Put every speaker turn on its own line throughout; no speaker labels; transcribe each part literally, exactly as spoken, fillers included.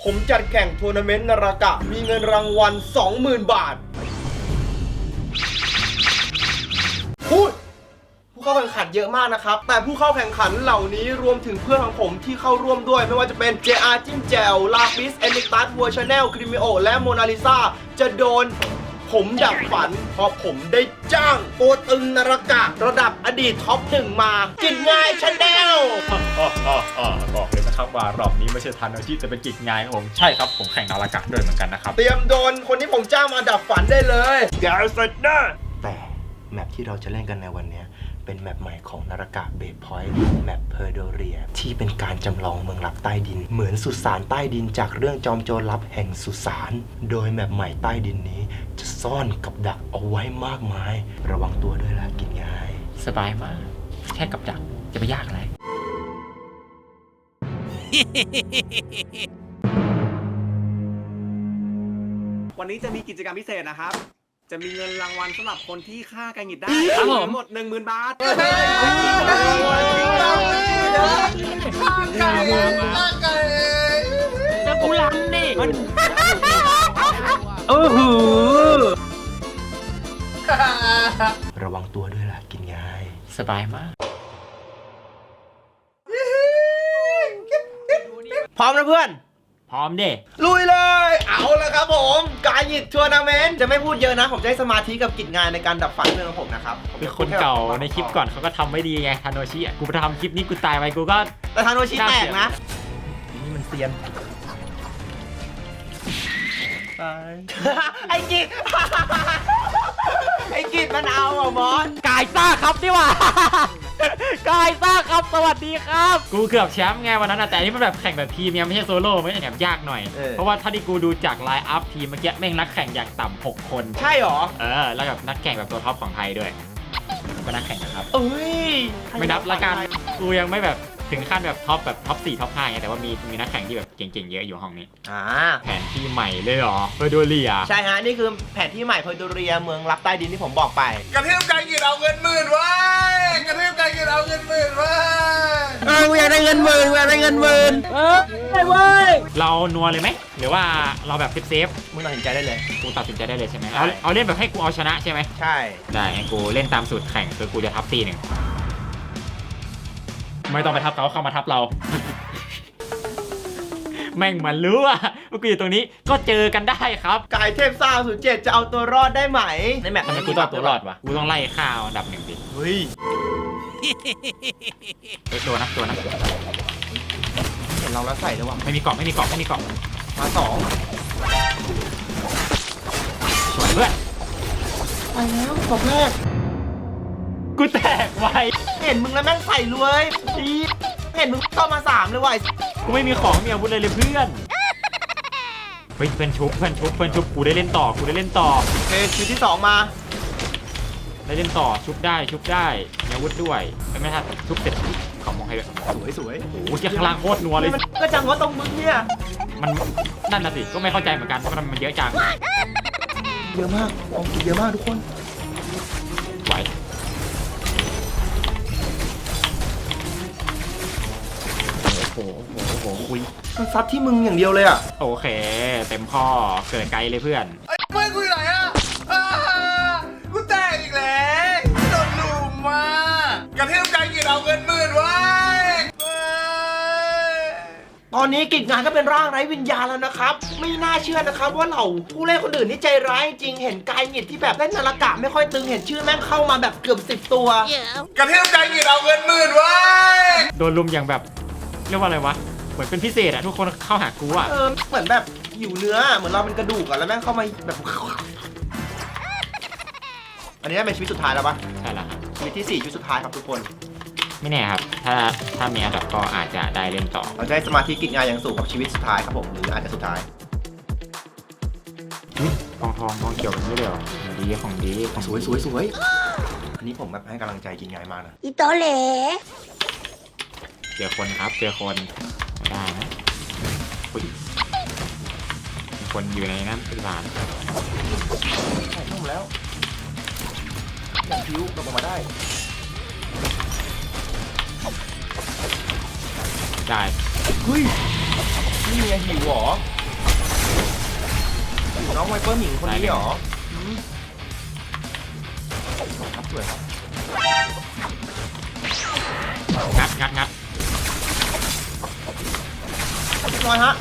ผมจัดแข่งทัวร์นาเมนต์นารากะมีเงินรางวัล สองหมื่น บาทพูดผู้เข้าแข่งขันเยอะมากนะครับแต่ผู้เข้าแข่งขันเหล่านี้รวมถึงเพื่อนของผมที่เข้าร่วมด้วยไม่ว่าจะเป็น เจ อาร์ จิ้มแจวลาปิสเอนิตัสวัวชาแนลคริมิโอและโมนาลิซาจะโดนผมดับฝันเพราะผมได้จ้างตัวตึงนารากะระดับอดีตท็อปหนึ่งมากินง่ายชาแนล
บอกเลยนะครับว่ารอบนี้ไม่ใช่ทันอาชีพแต่เป็นกิจงานของผมใช่ครับผมแข่งนารากะด้วยเหมือนกันนะครับ
เตรียมโดนคนที่ผมจ้างมาดับฝันได้เลยเดี๋ยวเสร็จนะแต่แมปที่เราจะเล่นกันในวันนี้เป็นแมปใหม่ของนารากะเบสพอยต์แมปเพอร์โดเรียที่เป็นการจำลองเมืองลับใต้ดินเหมือนสุสานใต้ดินจากเรื่องจอมโจรลับแห่งสุสานโดยแมปใหม่ใต้ดินนี้จะซ่อนกับดักเอาไว้มากมายระวังตัวด้วยล่ะกินง่าย
สบายมากแค่กับดักจะไปยากอะไร
วันนี้จะมีกิจกรรมพิเศษนะครับจะมีเงินรางวัลสำหรับคนที่ฆ่าไก่หงิดได้ทั้งหมด หนึ่งหมื่น บาท
จะกูรังดิโอ้โห
ระวังตัวด้วยล่ะกินง่าย
สบายมาก
พร้อมนะเพื่อน
พร้อมดิ
ลุยเลยเอาละครับผมการหยิบทัวร์นาเมนต์จะไม่พูดเยอะนะผมจะให้สมาธิกับกิจงานในการดับฝันเพื่อนของผมนะครับ
เป็นคนเก่าในคลิปก่อนเขาก็ทำไม่ดีไงทาโนชิกูไปทำคลิปนี้กูตายไปกูก็
แต่ทาโนชิแตกนะนี่มันเซียนไอ้กิจไอ้กิจมันเอาอ่ะมอส
กายซ่าครับนี่ว่ากายซ่าครับสวัสดีครับกูเกือบแชมป์ไงวันนั้นแต่นี่มันแบบแข่งแบบทีมยังไม่ใช่โซโล่ไม่ใช่แบบยากหน่อยเพราะว่าถ้าที่กูดูจากไลน์อัพทีมเมื่อกี้แม่งนักแข่งอย่างต่ำหกคน
ใช่หรอ
เออแล้วแบบนักแข่งแบบตัวท็อปของไทยด้วยก็นักแข่งนะครับ
เอ้ย
ไม่นับละกันกูยังไม่แบบถึงขั้นแบบท็อปแบบท็อปสี่ท็อปห้าไงแต่ว่ามีมีนักแข่งที่แบบเก่งๆเยอะอยู่ห้องนี้
อ่า
แผนที่ใหม่เลยเหรอเพอร์โดเรีย
ใช่ฮะนี่คือแผนที่ใหม่เพอร์โดเรียเมืองลับใต้ดินที่ผมบอกไป
กระเทียมไก่หงิดเอาเงินหมื่นไว้กระเทียมไก่หงิดเอาเงินหมื่นไว้
เอออยากได้เงินหมื่นอยากได้เงินหมื่นเออได้เว้ย
เรานัวเลยไหมหรือว่าเราแบบเซฟ
มึงตัดสินใจได้เลย
กูตัดสินใจได้เลยใช่ไหมเอาเอาเล่นแบบให้กูเอาชนะใช่ไหม
ใช่
ได้งั้นกูเล่นตามสูตรแข่งคือกูจะทับตีหนึ่งไม่ต้องไปทับเขาเข้ามาทับเราแม่งมันรู้ว่าเมื่อกี้อยู่ตรงนี้ก็เจอกันได้ครับ
กายเทพซ่าศูนย์เจ็ดจะเอาตัวรอดได้ไหมในแมป
ทำไมกูต้องตัวรอดวะกูต้องไล่ข้าวอันดับหนึ่งดิ
เฮ้ย
เฮ้ยตัวนะตัวนะ
เห็นเราแล้วใส่เลยว่ะ
ไม่มีกล่องไม่มีกล่องไม่มีกล่อง
มาสอง
สวยเพื่อน
ไปแล้วกล่องแรก
กูแตกไว
เห็นมึงแล้วแม่งใส่เลยดีเห็นมึงเข้ามาสามเลยว่ะ
กูไม่มีของมีอาวุธเลยเลยเพื่อนเฮ้ยเพื่อนชุบเพื่อนชุบเพื่อนชุบกูได้เล่นต่อกูได้เล่นต่อ
โอเคชุดที่สองมา
ได้เล่นต่อชุบได้ชุบได้มีอาวุธด้วยไม่ทันชุบเสร็จขอมองให้ด้วย
สวยสวย
โอ้โหเจ้าข้างล่างโคตรนัวเลย
ก็จังว่าตรงมึงเนี่ย
มันนั่นน่ะสิก็ไม่เข้าใจเหมือนกันเพราะมันเยอะจัง
เยอะมากของกินเยอะมากทุกคน
ไหวโอ้โหโอ้โหคุย
มันซัดที่มึงอย่างเดียวเลยอ่ะ
โอเคเต็มข้อเกิดไกลเลยเพื่อน
ไอ้เพื่อนกูอยู่ไหนอ่ะกูแตกอีกแล้วโดนลุมมากระเทียมไก่หงิดเอาเงินหมื่นไว้
ตอนนี้กิจงานก็เป็นร่างไร้วิญญาณแล้วนะครับไม่น่าเชื่อนะครับว่าเหล่าผู้เล่นคนอื่นนี่ใจร้ายจริงเห็นกายหงิดที่แบบเล่นนารากะไม่ค่อยตึงเห็นชื่อแม่งเข้ามาแบบเกือบสิบตัว
กระเทียมไก่หงิดเอาเงินหมื่นไว้
โดนลุมอย่างแบบเรียกว่าอะไรวะเหมือนเป็นพิเศษอะทุกคนเข้าหากูอะ
เออเหมือนแบบหิวเนื้อเหมือนเราเป็นกระดูกอะแล้วแม่งเข้ามาแบบอันนี้เป็นชีวิตสุดท้ายแล้วปะ
ใช่แล้วครับ
ชีวิตที่สี่ชีวิตสุดท้ายครับทุกคน
ไม่แน่ครับถ้าถ้ามีอันดับก็อาจจะได้เล่นต่อ
เราจะให้สมาธิกิจงานอย่างสูงกับชีวิตสุดท้ายครับผมหรืออาจจะสุดท้าย
ทองทองทองเกี่ยวกันไม่เดียวดีของดี
สวยสวยสวยอันนี้ผมแบบให้กำลังใจกิจงานมากนะ
อีโตเล่
เจอคนครับเจอคนได้นะอุ้ยมีคนอยู่ในนั้นเป็นร้าน
ใช่นุ่มแล้วอย่างผิวตกออกมาได้
ได้
เฮ้ยนี่ไงหิวเหรอหิวน้องไวเปอร์หมิงคนนี้เหรออืมครับสวยครับ
งัดงัดงัด
เรียบร้อยฮะ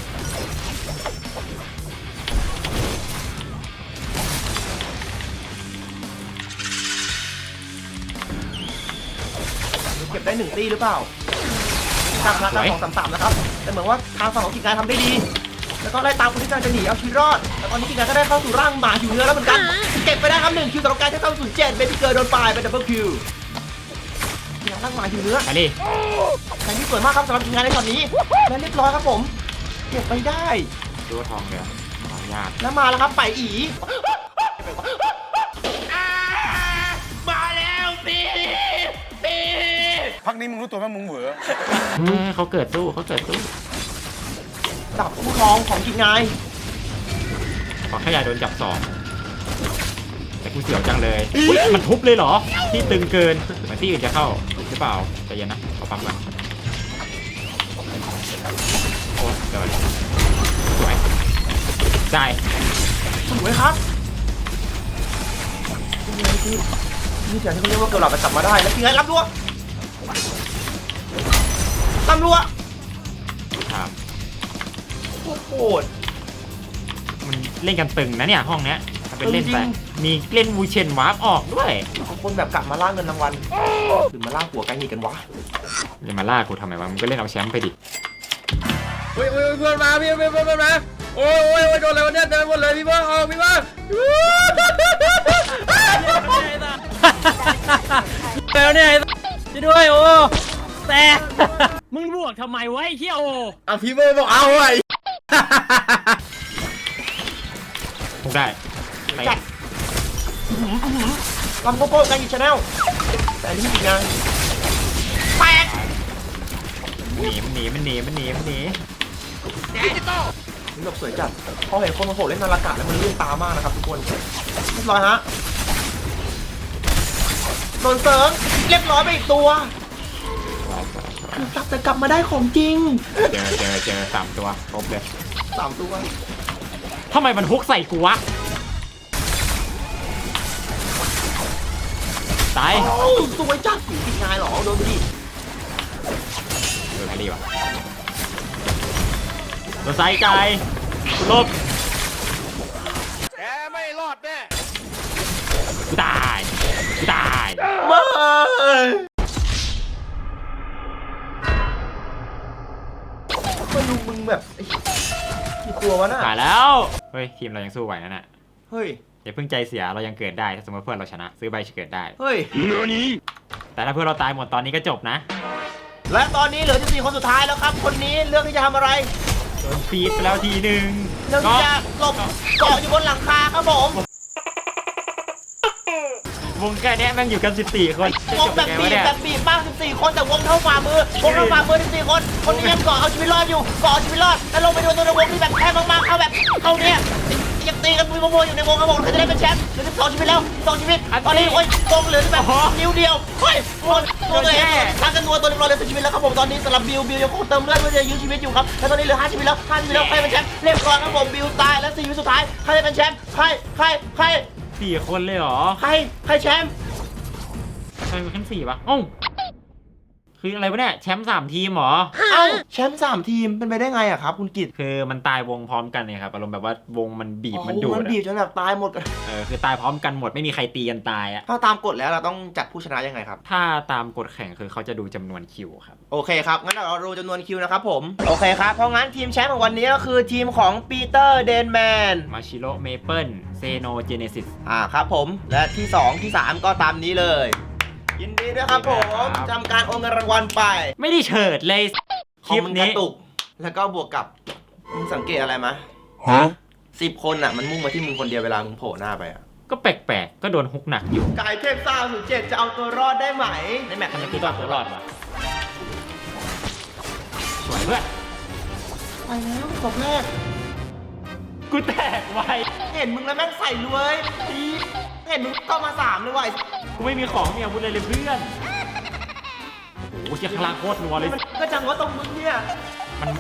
เก็บได้หนึ่งตีหรือเปล่าทางพลังสองสามสามนะครับแต่เหมือนว่าทางฝั่งของกิจการทำได้ดี แล้วก็ไล่ตามคนที่กำลังจะหนีเอาชีวิตรอดแต่ตอนนี้กิจการก็ได้เข้าสู่ร่างหมาหิวเนื้อแล้วเหมือนกันเก็บไปได้ครับหนึ่งคิวสำหรับการที่เข้าสู่เจ็ดเบบี้เกิร์ลโดนปลายเป็นดับเบิลคิวเนี่ยร่างหมาหิวเนื้อ
ไปดิ
แข่งที่สวยมากครับสำหรับทีมงานในช็อตนี้และเรียบร้อยครับผมเก็บไปได้
ดูทองเลยทองยาก
แล้วมาแล้วครับไปอี
มาแล้วตีตีพักนี้มึงรู้ตัวไหมมึงเหวอ
เออเขาเกิดสู้เขาเกิดสู้
ดับผู้ครองของทีมงาน
ขอแค่อย่าโดนจับสองแต่กูเสียวจังเลยอุ๊ยมันทุบเลยเหรอที่ตึงเกินเหมือนที่อื่นจะเข้าหรือเปล่าใจเย็นนะขอปั๊มก่อนโอ้เดี๋ยวสวยได้
สวยครับนี่นี่เสียงที่เขาเรียกว่าเกลาไปจับมาได้แล้วทีมงานรับรัวรับรัว
ครับ
โอ้โหด
มันเล่นกันตึงนะเนี่ยห้องเนี้ยถ้าเป็นเล่น
จริง
ไปมีเล่นวูเชนวาร์ปออกด้วย
บางคนแบบกลับมาล่าเงินรางวัลหรือมาล่าหัวไก่หนีกันวะ
จะมาล่ากูทำไมวะมึงก็เล่นเอาแชมป์ไปดิ
เฮ้ยเฮ้ยเพื่อนมาพี่เพื่อนเพื่อนมาโอ้ยโอ้ยโอ้ยโดนอะไรวะเนี่ยเต็มหมดเลยพี่เพื่อนออกพี่เพื่อนแล้วเนี่ยช่วยด้วยโอ้แต่
มึงบวกทำไมวะไอ้เหี้ยโอ
อ่ะพี่เพื่อนบอกเอาไว้
ทุกได้ไป
จัดลำโกโก้ไก่หนีชาแนลแต่อันนี้ทีมงานแปลก
หนีมันหนีมันหนีมันหนีมันหนี
นี่แบบสวยจัดพอเห็นคนมาโผล่เล่นนาฬกะแล้วมันเลื่อนตามากนะครับทุกคนเรียบร้อยฮะโดนเสริงเรียบร้อยไปอีกตัวคือกลับแต่กลับมาได้ของจริง
เจอเจอเจอสามตัวครบเลย
สามตัว
ทำไมมันฮุกใส่กูวะตาย
โอ้สวยจัดติดงานเหรอโดนไปดิ
โดนแฮร์รี่วะโดนไซด์ใจลบ
แกไม่รอดแน่
กูตายกูตาย
มามาดูมึงแบบไอ้กี่ตัววะน่ะ
ตายแล้วเฮ้ยทีมเรายังสู้ไหวนั่นน่ะ
เฮ้ย
อย่าเพิ่งใจเสียเรายังเกิดได้ถ้าสมมติเพื่อนเราชนะซื้อใบเกิดได้
เฮ้ย
แต่ถ้าเพื่อนเราตายหมดตอนนี้ก็จบนะ
และตอนนี้เหลือที่สี่คนสุดท้ายแล้วครับคนนี้เลือกที่จะทำอะไร
โดนฟีดไปแล้วทีหนึ่ง
เลือกที่จะหลบเกาะอยู่บนหลังคาครับผม
วงแค่เนี้ยแม่งอยู่กันสิบสี่คนจะ
ว
จ
ง
บ
แบบ
ยังไง
บี
วะ
บ
เนี่ย
แบบบีบมากสิบสี่คนแต่วงเท่าฝ่ามือวงเท่าฝ่ามือสิบสี่คนคนนี้ยังเกาะเอาชีวิตรอดอยู่เกาะเอาชีวิตรอดแล้วลงไปดูตัวในวงที่แบบแคบมากๆเข้าแบบเข้าเนี่ยยังตีกันมุ้ยมัวอยู่ในวงครับผมใครจะได้เป็นแชมป์เหลือสิบสองชีวิตแล้วสิบสองชีวิตตอนนี้โอ้ยวงเหลือแบบนิ้วเดียวเฮ้ยตัวตัวตัวเองทางกันนัวตัวเรียบร้อยเหลือสิบชีวิตแล้วครับผมตอนนี้สำหรับบิวบิวยังคงเติมเลือดเพื่อจะยื้อชีวิตอยู่ครับแล้วตอนนี้เหลือห้าชีวิตแล้วห้าชีวิตแล้วใครเป็นแชมป์เรียบร้อยครับผมบิวตายแล้วสี่ชีวิตสุดท้ายใครจะเป็นแชมป์ใครใครใคร
สี่คนเลยเหรอ
ใครใครแชมป์
ใครเป็นขั้นสี่ปะเอ้าคืออะไรวะเนี่ยแชมป์สามทีมเหรอ
เอ้าแชมป์สามทีมเป็นไปได้ไงอะครับคุณกิต
คือมันตายวงพร้อมกันเนี่ยครับอารมณ์แบบว่าวงมันบีบมันดูด
มัน
อะ
บีบจนแบบตายหมดกัน
เออคือตายพร้อมกันหมดไม่มีใครตีกันตายอะ
ถ้าตามกฎแล้วเราต้องจัดผู้ชนะยังไงครับ
ถ้าตามกฎแข่งคือเขาจะดูจำนวนคิวครับ
โอเคครับ งั้นเราดูจำนวนคิวนะครับผม โอเคครับ เพราะงั้นทีมแชมป์ของวันนี้ก็คือทีมของปีเตอร์เดนแมน
มาชิโร่เมเปิลเซโนเจเนซิส
อ่าครับผม และที่ 2 ที่ 3 ก็ตามนี้เลย ยินดีด้วยครับผมทำการโอนเงินรางวัลไป
ไม่ได้เฉิดเลยคลิป
คอมมันก
นี้
ระตุก แล้วก็บวกกับมึงสังเกตอะไรไหม
ฮะ
สิบคนอ่ะมันมุ่งมาที่มึงคนเดียวเวลามึงโผล่หน้าไปอ่ะ
ก็แปลกๆก็โดนฮุกหนักอยู่
กายเทพซ่าศูนย์เจ็ดจะเอาตัวรอดได้ไหม ในแมตช์
ทำไม
นี้
กูต้องตัวรอดวะสวยเพื่อน
ไปแล้วศพแรก
กูแตกไว
เห็นมึงแล้วแม่งใส่เลยอีเห็นมึงก็มาสามเลยว่ะ
กูไม่มีของมีอาวุธเลยเลยเพื่อนโอ้โหเชี่ยคลางโคตรนัวเลย
มันก็จังว่าตรงมึงเนี่ย
มัน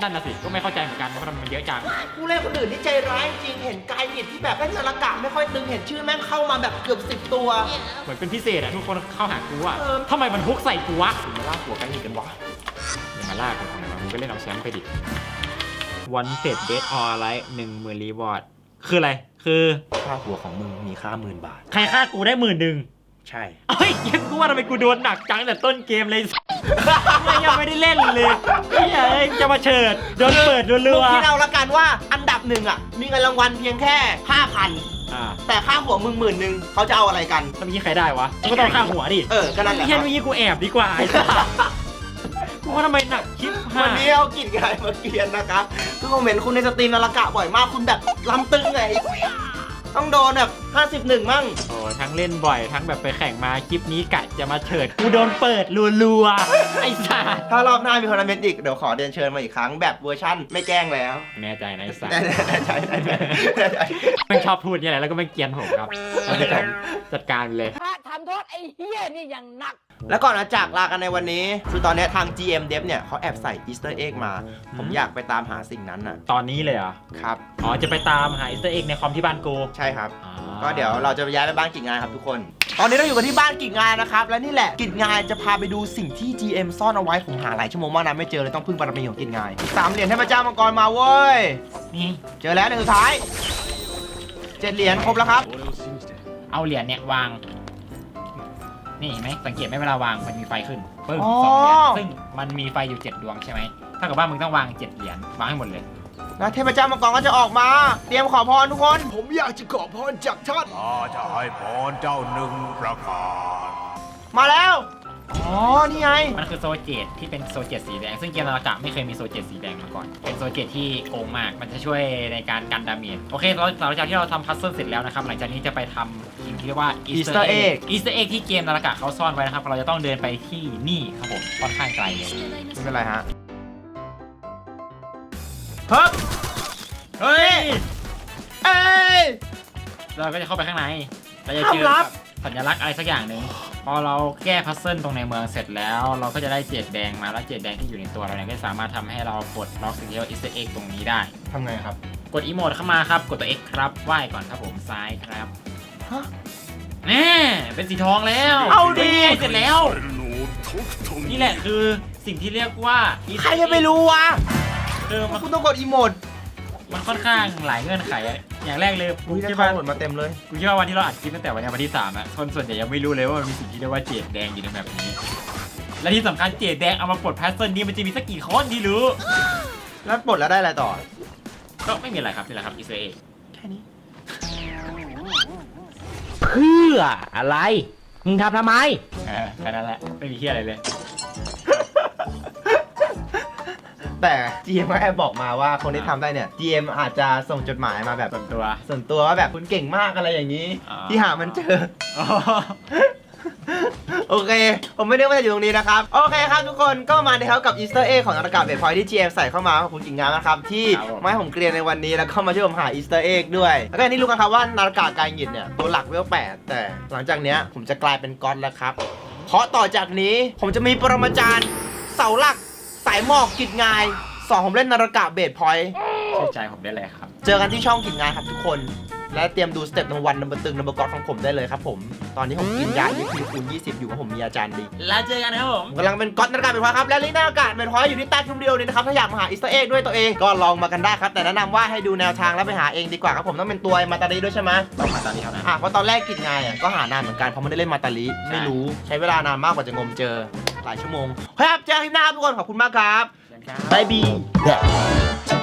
นั่นน่ะสิก็ไม่เข้าใจเหมือนกันว่าทำไมมันเยอะจัง
ผู้เล่นคนอื่นที่ใจร้ายจริงเห็นกายหยิดที่แบบเล่นนาฬิกาไม่ค่อยตึงเห็นชื่อแม่งเข้ามาแบบเกือบสิบตัว
เหมือนเป็นพิเศษอะทุกคนเข้าหากูอะ
เออ
ทำไมมันฮุกใส่กูวะ
มาล่าหัวกายหยิดกันวะ
อย่ามาล่ากันทำไมวะมึงก็เล่นเอาแชมป์ไปดิวันเต็ดเบสออลไลท์หนึ่งหมื่นรีวอร์ดคืออะไรคือ
ค่าหัวของมึงมีค่าหมื่นบาท
ใครฆ่ากูได้หมื่นหนึ่ง
ใช่
เฮ้ยยังกูว่าทำไมกูโดนหนักจังแต่ต้นเกมเลย ไม่ยังไม่ได้เล่นเลยเฮ้ยเอ้ยจะมาเฉิดโดนเปิดรั
มึง
ว
คิดเอาละกันว่าอันดับหนึ่งอ่ะมีเงินรางวัลเพียงแค่ห้าพัน
ๆอ่า
แต่ค่าหัวมึงหมื่นหนึ่งเขาจะเอาอะไรกัน
แล้วเมื่อกี้ใครได้วะก็ต้องฆ่าหัวดิ
เออก็นั่นแหละ
เฮียเมื่อกี้กูแอบดีกว่าไอ้สัสกูว่าทำไมหนักชิบหา
วัน
ย
นี้เอากินกายมาเกลียนนะครับคือผมเห็นคุณในสตรีมนาฬิกาบ่อยมากคุณแบบลำตึงไงต้องโดนแบบห้าสิบหนึ่งมั่ง
โอ้ทั้งเล่นบ่อยทั้งแบบไปแข่งมาคลิปนี้กะจะมาเฉิดกูโดนเปิดรัวๆไอ้สัส
ถ้ารอบหน้ามีทัวร์นาเมนต์อีกเดี๋ยวขอเรียนเชิญมาอีกครั้งแบบเวอร์ชั่นไม่แกล้งแล้ว
แน่ใจนะไอ้สัส
แน่ใจแน่ใจแน่ใจ
ไม่ชอบพูดเนี่ยแหละแล้วก็ไม่เกรียนผมครับเราจะจัดการเลย
พระทำโทษไอ้เฮียนี่อย่างหนัก
แล้วก่อนจะจากลากันในวันนี้ คือตอนนี้ทาง จี เอ็ม Dev เนี่ยเขาแอบใส่อีสเตอร์เอ็กมา ผมอยากไปตามหาสิ่งนั้นน่ะ
ตอนนี้เลยเหรอ
ครับ
อ๋อจะไปตามหาอีสเตอร์เอ็กในคอมที่บ้านกู
ใช่ครับ
อ๋อ
ก็เดี๋ยวเราจะไปย้ายไปบ้านกิ่งงานครับทุกคน ตอนนี้เราอยู่กันที่บ้านกิ่งงานนะครับ และนี่แหละกิ่งงานจะพาไปดูสิ่งที่ จี เอ็ม ซ่อนเอาไว้ผมหาหลายชั่วโมงมากนะไม่เจอเลยต้องพึ่งบารมีของกิ่งงานสามเหรียญเทพเจ้ามังกรมาเว้ย
นี่
เจอแล้วหนึ่งสุดท้ายเจ็ดเหรียญครบแล้วครับ
เอาเหรียญเนี่ยวาง นี่เห็นไหมสังเกตไหมเวลาวางมันมีไฟขึ้นปึ้ง
อ๋อ
สองเหรียญซึ่งมันมีไฟอยู่เจ็ดดวงใช่ไหมถ้ากับว่ามึงต้องวางเจ็ดเหรียญวางให้หมดเลย
แล้วเทพเจ้ามังกรก็จะออกมา เตรียมขอพรทุกคน ผมอยากจะขอพรจากท่าน
ข้าจะให้พรเจ้าหนึ่งประการ
มาแล้ว อ๋อ นี่ไง
มันคือโซเจตที่เป็นโซเจตสีแดงซึ่งเกมนาฬิกาไม่เคยมีโซเจตสีแดงมาก่อนเป็นโซเจตที่โกงมากมันจะช่วยในการกันดาเมจโอเคเราหลังจากที่เราทำพัซเซิลเสร็จแล้วนะครับหลังจากนี้จะไปทำสิ่งที่เรียกว่า
Easter egg
อีสเตอร์เอ็กที่เกมนาฬิกาเขาซ่อนไว้นะครับเราจะต้องเดินไปที่นี่ครับผมค่อนข้างไกลเลย
ไม่เป็นไรฮะเฮ้ย
เฮ้ย
เอ้ย
เราก็จะเข้าไปข้างในเราจะ
ห้าม
เจอ
ลั
กับบ สัญลักษณ์อะไรสักอย่างหนึ่งพอเราแก้พัซเซิลตรงในเมืองเสร็จแล้ว เราก็จะได้เจดแดงมาแล้วเจดแดงที่อยู่ในตัวเราเนี่ยก็สามารถทำให้เราปลดล็อกสิ่งที่เรียกว่าอีสเตอร์เอ็กตรงนี้ได้
ทำไงครับ
กดอีโมดเข้ามาครับ กดตัว X ครับไหว้ก่อนครับผมซ้ายครับ
ฮะ
แน่เป็นสีทองแล้ว
เอาดิ
เสร็จแล้ว นี่แหละคือสิ่งที่เรียกว่า
ใครจะไปรู้วะ
คือมัน
คุณต้องกดอีโมด
มันค่อนข้างหลายเงื่อนไขอะอย่างแรกเลยกู
อุ้ยได้
คิด
ข้อ
ว่า
มูลมาเต็มเลย
กูคิดว่าวันที่เราอัดคลิปตั้งแต่วันนี้วันที่สามอะคนส่วนใหญ่ยังไม่รู้เลยว่ามันมีสิ่งที่เรียกว่าเจดแดงอยู่ในแบบนี้ และที่สำคัญเจดแดงเอามาปลดแพสเซิลนี้มันจะมีสักกี่คนที่รู้
แล้วปลดแล้วได้อะไรต่อ
ก็ไม่มีอะไรครับนี่แหละครับอีสเตอร์เอ็ก
แค่นี้
เพื่ออะไร มึงทำทำไม
แค่นั้นแหละไม่มีเฮียอะไรเลย
แต่ จี เอ็ม ก็แอบบอกมาว่าคนที่ทำได้เนี่ย จี เอ็ม อาจจะส่งจดหมายมาแบบ
ส่วนตัว
ส่วนตัวว่าแบบคุณเก่งมากอะไรอย่างนี้
อ๋อ
ที่หามันเจอ โอเค ผมไม่ได้ว่าจะอยู่ตรงนี้นะครับ โอเคครับทุกคนก็มาในครับกับอีสเตอร์เอ็กของนาฬิกาเบสพอยที่ จี เอ็ม ใส่เข้ามาขอบคุณกิ่งงานนะครับ ที่มาให้ผมเกรียนในวันนี้แล้วก็มาช่วยผมหาอีสเตอร์เอ็กด้วย แล้วก็อย่างที่รู้กันครับว่านาฬิกากายหยิดเนี่ยตัวหลักเวลแปดแต่หลังจากเนี้ยผมจะกลายเป็นก๊อตแล้วครับ เพราะต่อจากนี้ผมจะมีปรมาจารย์เสาหลักสายหมอกกิจงายสอนผมเล่นนาฬิกาเบสพอยต์
เชื่อใจผมได้เลยครับ
เจอกันที่ช่องกิจงานครับทุกคน และเตรียมดูสเต็ปนัมวันนัมเบอร์ตึงนัมเบอร์ก๊อตของผมได้เลยครับผม ตอนนี้ผมกินยายี่สิบคูณยี่สิบอยู่เพราะผมมีอาจารย์ดี
แล้วเจอกันครับผม
ผมกำลังเป็นก๊อตนาฬิกาเบสพอยต์ครับและลิงก์นาฬิกาเบสพอยต์อยู่ที่ใต้คลิปวิดีโอนี้นะครับถ้าอยากมาหาอีสเตอร์เอ็กด้วยตัวเองก็ลองมากันได้ครับแต่แนะนำว่าให้ดูแนวทางแล้วไปหาเองดีกว่าครับผมต้องเป็นตัวมาตาลีด้วยใช่ไหม
ต้องมาตอนนี้เท่านั้น
อ่ะเพราะตอนแรกกิจงานอ่ะก็หานานเหมือนกันเพราะไม่ได้เล่นมาตาลีไม่รู้ใช้เวลานานมากกว่าจะงมเจอหลายชั่วโมงครับเจอกันคลิปหน้าครับทุกคนขอบคุณมากครับ
เจอกันครับ
บายบี